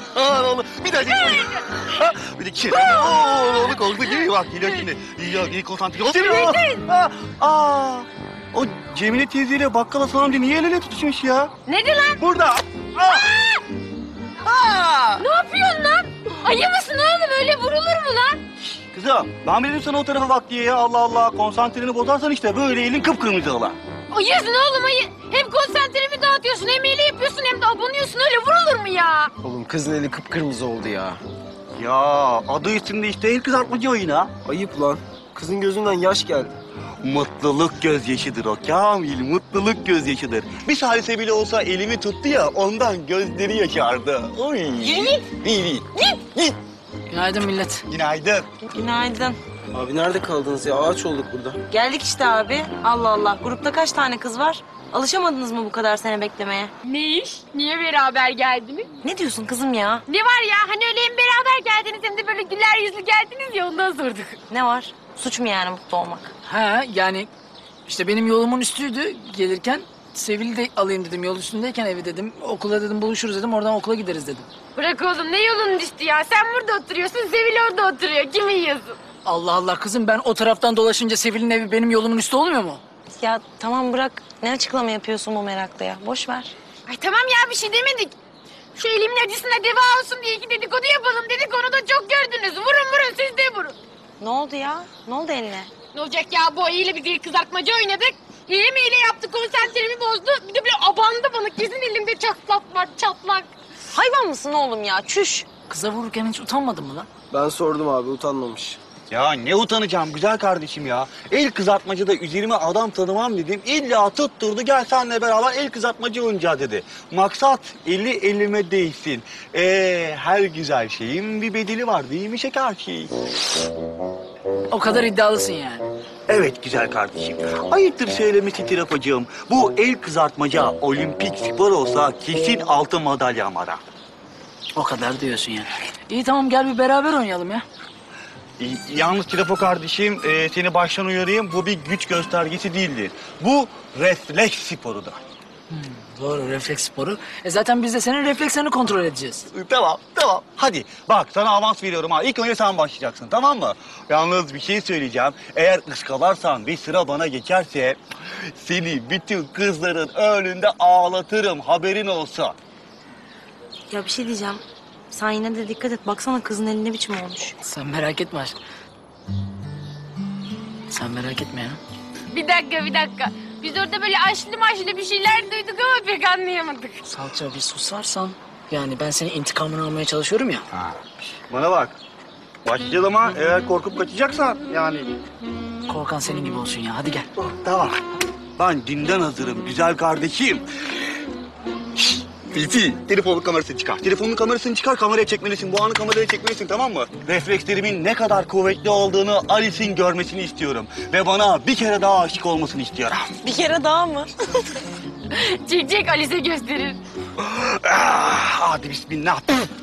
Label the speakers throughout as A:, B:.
A: Oğlum bir daha değil. Bir de kere. Oğlum oldu gibi bak geliyor şimdi. İyi konsantre ol. O Cemile teyzeyle bakkal Hasan amca niye el ele tutuşmuş ya?
B: Nerede lan?
A: Burada.
B: Ne yapıyorsun lan? Ayı mısın oğlum? Öyle vurulur mu lan?
A: Kızım ben dedim sana o tarafa bak diye ya. Allah Allah konsantreni bozarsan işte böyle elin kıpkırmızı ola.
B: Ayısın oğlum ayı. Hem konsantremi dağıtıyorsun hem hile yapıyorsun hem de abanıyorsun. Öyle vurulur mu ya?
C: Oğlum kızın eli kıpkırmızı oldu ya.
A: Ya adı üstünde işte el kızartmacı oyunu.
C: Ayıp lan. Kızın gözünden yaş geldi.
A: Mutluluk gözyaşıdır o Kamil, mutluluk gözyaşıdır. Bir salise bile olsa elimi tuttu ya ondan gözleri yaşardı. Oy.
B: Yürü
A: İyi. Git.
D: Günaydın millet.
A: Günaydın.
E: Günaydın.
C: Abi nerede kaldınız ya? Ağaç olduk burada.
E: Geldik işte abi. Allah Allah. Grupta kaç tane kız var? Alışamadınız mı bu kadar sene beklemeye?
B: Ne iş? Niye beraber geldiniz?
E: Ne diyorsun kızım ya?
B: Ne var ya? Hani öyle hem beraber geldiniz hem de böyle güler yüzlü geldiniz ya ondan sorduk.
E: Ne var? Suç mu yani mutlu olmak?
D: Ha yani işte benim yolumun üstüydü gelirken. Sevil'i de alayım dedim yol üstündeyken evi dedim. Okula dedim buluşuruz dedim oradan okula gideriz dedim.
B: Bırak oğlum ne yolun düştü ya? Sen burada oturuyorsun, Sevil orada oturuyor. Kimi yiyorsun?
D: Allah Allah kızım ben o taraftan dolaşınca Sevil'in evi benim yolumun üstü olmuyor mu?
E: Ya tamam bırak. Ne açıklama yapıyorsun bu merakla ya? Boş ver.
B: Ay tamam ya bir şey demedik. Şu elimin acısına deva olsun diye iki dedikodu yapalım dedik. Onu da çok gördünüz. Vurun siz de vurun.
E: Ne oldu ya? Ne oldu eline?
B: Ne olacak ya bu ayıyla biz el kızartmacı oynadık. Hile yaptı konsantremi bozdu. Bir de böyle abandı bana. Kesin elimde çatlak var çatlak.
E: Hayvan mısın oğlum ya? Çüş.
D: Kıza vururken hiç utanmadın mı lan?
C: Ben sordum abi utanmamış.
A: Ya ne utanacağım güzel kardeşim ya. El kızartmacıda üzerime adam tanımam dedim. İlla tutturdu gel senle beraber el kızartmacı oynayacağı dedi. Maksat eli elime değsin. Her güzel şeyin bir bedeli var değil mi şeker şey?
D: O kadar iddialısın yani.
A: Evet güzel kardeşim. Ayıptır söylemesi tirafacığım. Bu el kızartmaca olimpik spor olsa kesin altın madalya ara.
D: O kadar diyorsun yani. İyi tamam gel bir beraber oynayalım ya.
A: Yalnız Tirafo kardeşim seni baştan uyarayım. Bu bir güç göstergesi değildir. Bu refleks sporudur.
D: Doğru refleks sporu. Zaten biz de senin reflekslerini kontrol edeceğiz.
A: Tamam. Hadi bak sana avans veriyorum ha. İlk önce sen başlayacaksın tamam mı? Yalnız bir şey söyleyeceğim. Eğer ıskalarsan ve sıra bana geçerse seni bütün kızların önünde ağlatırım. Haberin olsa.
E: Ya bir şey diyeceğim. Sen yine de dikkat et. Baksana kızın eli ne biçim olmuş.
D: Sen merak etme aşkım. Sen merak etme ya.
B: Bir dakika. Biz orada böyle aşlı bir şeyler duyduk ama pek anlayamadık.
D: Salça bir susarsan. Yani ben senin intikamını almaya çalışıyorum ya.
A: Bana bak. Başlayalım ha. Eğer korkup kaçacaksan yani.
D: Korkan senin gibi olsun ya. Hadi gel.
A: Tamam. Ben dünden hazırım güzel kardeşim. Filfi, telefonun kamerasını çıkar. Telefonun kamerasını çıkar, kameraya çekmelisin. Bu anı kameraya çekmelisin, tamam mı? Reflekslerimin ne kadar kuvvetli olduğunu Alice'in görmesini istiyorum. Ve bana bir kere daha aşık olmasını istiyorum.
E: Bir kere daha mı?
B: Çek Alice gösterir.
A: Hadi bismillah.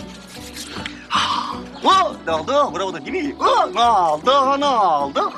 A: Ne oldu? Bravo da değil mi? Ne oldu?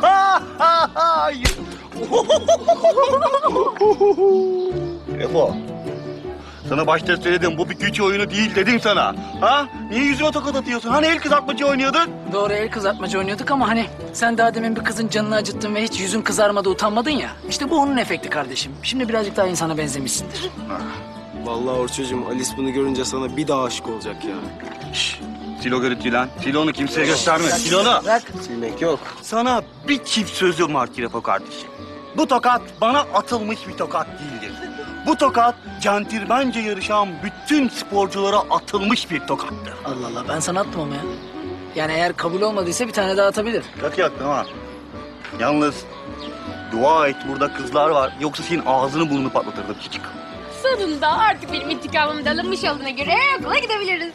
A: Refo. Sana başta söyledim bu bir güç oyunu değil dedim sana. Ha? Niye yüzüme tokat atıyorsun? Hani el kızartmacı oynuyordun?
D: Doğru el kızartmacı oynuyorduk ama hani sen daha demin bir kızın canını acıttın ve hiç yüzün kızarmadı utanmadın ya. İşte bu onun efekti kardeşim. Şimdi birazcık daha insana benzemişsindir.
C: Vallahi Orçucuğum Alice bunu görünce sana bir daha aşık olacak ya.
A: Sil o görüntüyü lan. Sil onu kimseye gösterme. Sil onu.
D: Bırak.
C: Silmek yok.
A: Sana bir çift sözüm var Kirafo kardeşim. Bu tokat bana atılmış bir tokat değildir. Bu tokat centilmence yarışan bütün sporculara atılmış bir tokattır.
D: Allah Allah ben sana attım ama ya. Yani eğer kabul olmadıysa bir tane daha atabilir.
A: Yak yaktın ha. Yalnız dua et burada kızlar var. Yoksa senin ağzını burnunu patlatırdım küçük.
B: Sonunda artık benim intikamım da alınmış olduğuna göre okula gidebiliriz.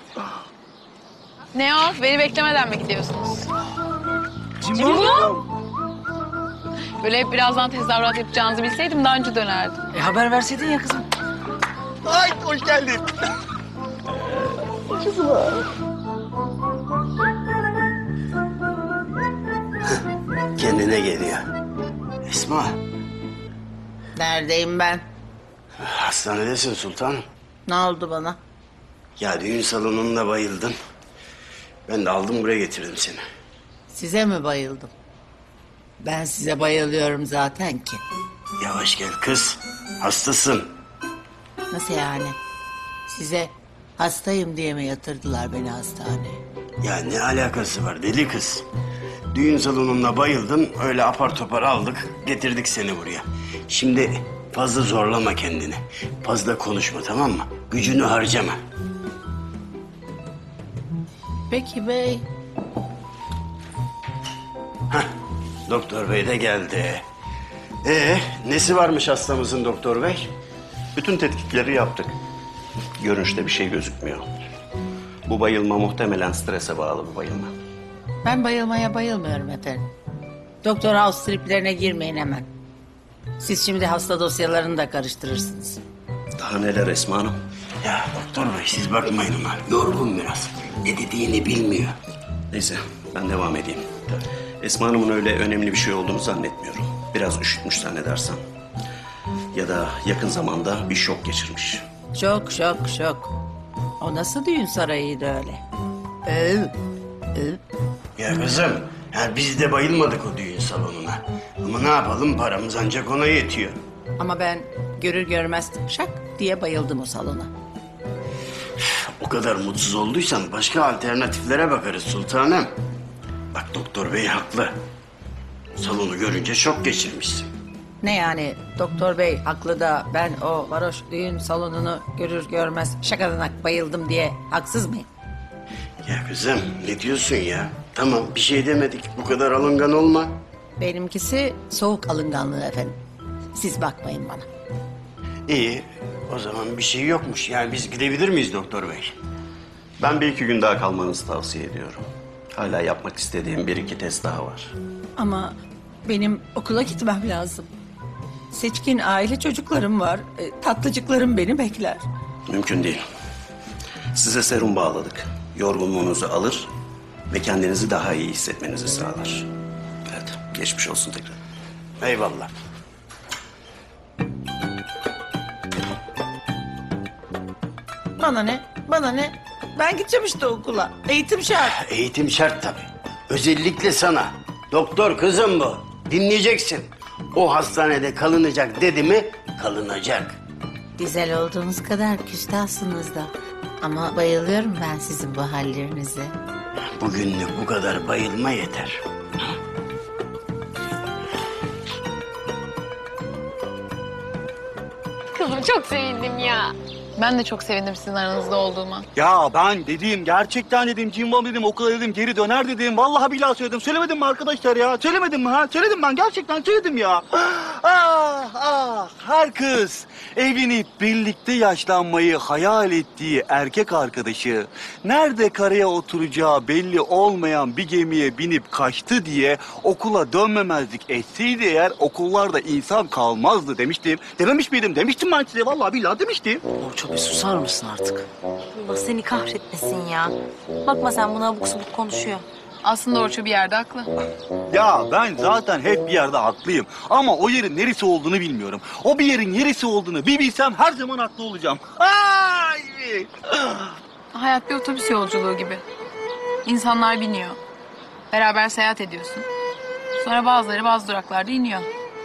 F: Ne o? Beni beklemeden mi gidiyorsunuz?
B: Cimbo?
F: Böyle hep birazdan tezahürat yapacağınızı bilseydim daha önce dönerdim.
D: Haber verseydin ya kızım.
A: Ay hoş geldin.
G: Kendine geliyor. Esma,
H: Neredeyim ben?
G: hastanedesin sultanım.
H: Ne oldu bana?
G: Ya düğün salonunda bayıldın. Ben de aldım buraya getirdim seni.
H: Size mi bayıldım? Ben size bayılıyorum zaten ki.
G: Yavaş gel kız. Hastasın.
H: Nasıl yani? Size hastayım diye mi yatırdılar beni hastaneye?
G: Ya ne alakası var deli kız? Düğün salonunda bayıldın. Öyle apar topar aldık. Getirdik seni buraya. Şimdi fazla zorlama kendini. Fazla konuşma, tamam mı? Gücünü harcama.
H: Peki bey.
G: Doktor bey de geldi. Nesi varmış hastamızın doktor bey?
I: Bütün tetkikleri yaptık. Görünüşte bir şey gözükmüyor. Bu bayılma muhtemelen strese bağlı bir bayılma.
H: Ben bayılmaya bayılmıyorum efendim. Doktor house triplerine girmeyin hemen. Siz şimdi hasta dosyalarını da karıştırırsınız.
I: Daha neler Esma Hanım?
G: Ya doktor bey siz bakmayın ona. Yorgun biraz. Ne dediğini bilmiyor.
I: Neyse ben devam edeyim. Esma Hanım'ın öyle önemli bir şey olduğunu zannetmiyorum. Biraz üşütmüş zannedersem. Ya da yakın zamanda bir şok geçirmiş.
H: Şok. O nasıl düğün sarayıydı öyle?
G: Ya kızım, ya biz de bayılmadık o düğün salonuna. Ama ne yapalım, paramız ancak ona yetiyor.
H: Ama ben görür görmez şak diye bayıldım o salona.
G: O kadar mutsuz olduysan başka alternatiflere bakarız sultanım. Bak doktor bey haklı. Salonu görünce şok geçirmişsin.
H: Ne yani doktor bey haklı da ben o varoş düğün salonunu görür görmez şakadanak bayıldım diye haksız mıyım?
G: Ya kızım ne diyorsun ya? Tamam bir şey demedik, bu kadar alıngan olma.
H: Benimkisi soğuk alınganlığı efendim. Siz bakmayın bana.
G: İyi, o zaman bir şey yokmuş. Yani biz gidebilir miyiz doktor bey?
I: Ben bir iki gün daha kalmanızı tavsiye ediyorum. Hala yapmak istediğim bir iki test daha var.
H: Ama benim okula gitmem lazım. Seçkin aile çocuklarım var. Tatlıcıklarım beni bekler.
I: Mümkün değil. Size serum bağladık. Yorgunluğunuzu alır ve kendinizi daha iyi hissetmenizi sağlar. Evet, geçmiş olsun tekrar.
G: Eyvallah.
H: Bana ne? Bana ne? Ben gideceğim işte okula. Eğitim şart.
G: Eğitim şart tabii. Özellikle sana. Doktor kızım bu. Dinleyeceksin. O hastanede kalınacak dedi mi kalınacak.
H: Güzel olduğunuz kadar küstahsınız da. Ama bayılıyorum ben sizin bu hallerinize.
G: Bugünlük bu kadar bayılma yeter.
B: Kızım çok sevindim ya.
F: Ben de çok sevindim sizin aranızda olduğuma.
A: Ya ben dedim, gerçekten dedim, cimbom dedim, okula dedim, geri döner dedim. Vallahi billahi söyledim. Söylemedim mi arkadaşlar ya? Söylemedim mi ha? Söyledim ben, gerçekten söyledim ya. Her kız evlenip birlikte yaşlanmayı hayal ettiği erkek arkadaşı nerede karaya oturacağı belli olmayan bir gemiye binip kaçtı diye okula dönmemezlik etseydi eğer okullarda insan kalmazdı demiştim. Dememiş miydim? Demiştim ben size. Vallahi billahi demiştim.
D: Orço bir susar mısın artık?
E: Allah seni kahretmesin ya. Bakma sen buna abuk subuk konuşuyor.
F: Aslında Orço bir yerde haklı.
A: Ya ben zaten hep bir yerde haklıyım. Ama o yerin neresi olduğunu bilmiyorum. O bir yerin neresi olduğunu bir bilsem her zaman haklı olacağım. Ay!
F: Hayat bir otobüs yolculuğu gibi. İnsanlar biniyor. Beraber seyahat ediyorsun. Sonra bazıları bazı duraklarda iniyor.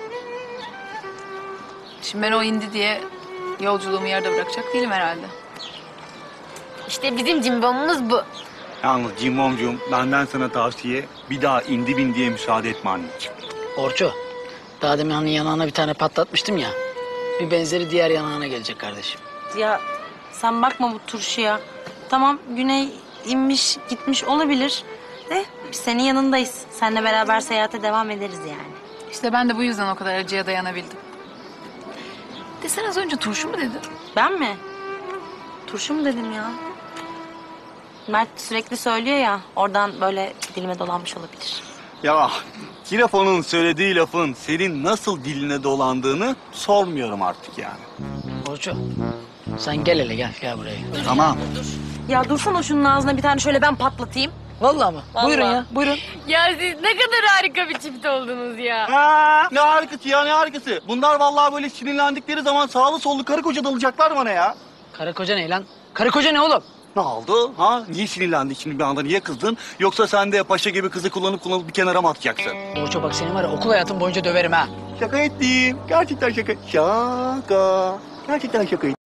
F: Şimdi ben o indi diye yolculuğumu yarıda bırakacak değilim herhalde.
B: İşte bizim cimbomumuz bu.
A: Yalnız Cimbomcuğum benden sana tavsiye bir daha indi bin diye müsaade etme anneciğim.
D: Orço, daha demin hani yanağına bir tane patlatmıştım ya. Bir benzeri diğer yanağına gelecek kardeşim.
E: Ya sen bakma bu turşuya. Tamam Güney inmiş gitmiş olabilir. De biz senin yanındayız. Seninle beraber seyahate devam ederiz yani.
F: İşte ben de bu yüzden o kadar acıya dayanabildim. De sen az önce turşu mu dedin?
E: Ben mi? Turşu mu dedim ya? Mert sürekli söylüyor ya, oradan böyle dilime dolanmış olabilir.
A: Ya Kirafon'un söylediği lafın senin nasıl diline dolandığını sormuyorum artık yani.
D: Orço, sen gel hele gel buraya.
A: Tamam.
E: Ya dursana şunun ağzına bir tane şöyle ben patlatayım.
D: Vallahi mı?
E: Vallahi.
D: Buyurun ya, buyurun.
B: Ya siz ne kadar harika bir çift oldunuz ya.
A: Ne harikası ya, ne harikası. Bunlar vallahi böyle sinirlendikleri zaman sağlı sollu karı koca dalacaklar bana ya.
D: Karı koca ne lan? Karı koca ne oğlum?
A: Ne oldu? Ha? Niye sinirlendin şimdi bir anda? Niye kızdın? Yoksa sen de paşa gibi kızı kullanıp bir kenara mı atacaksın?
D: Orço bak seni var ya okul hayatın boyunca döverim ha.
A: Şaka ettim. Gerçekten şaka. Şaka. Gerçekten şaka ettim.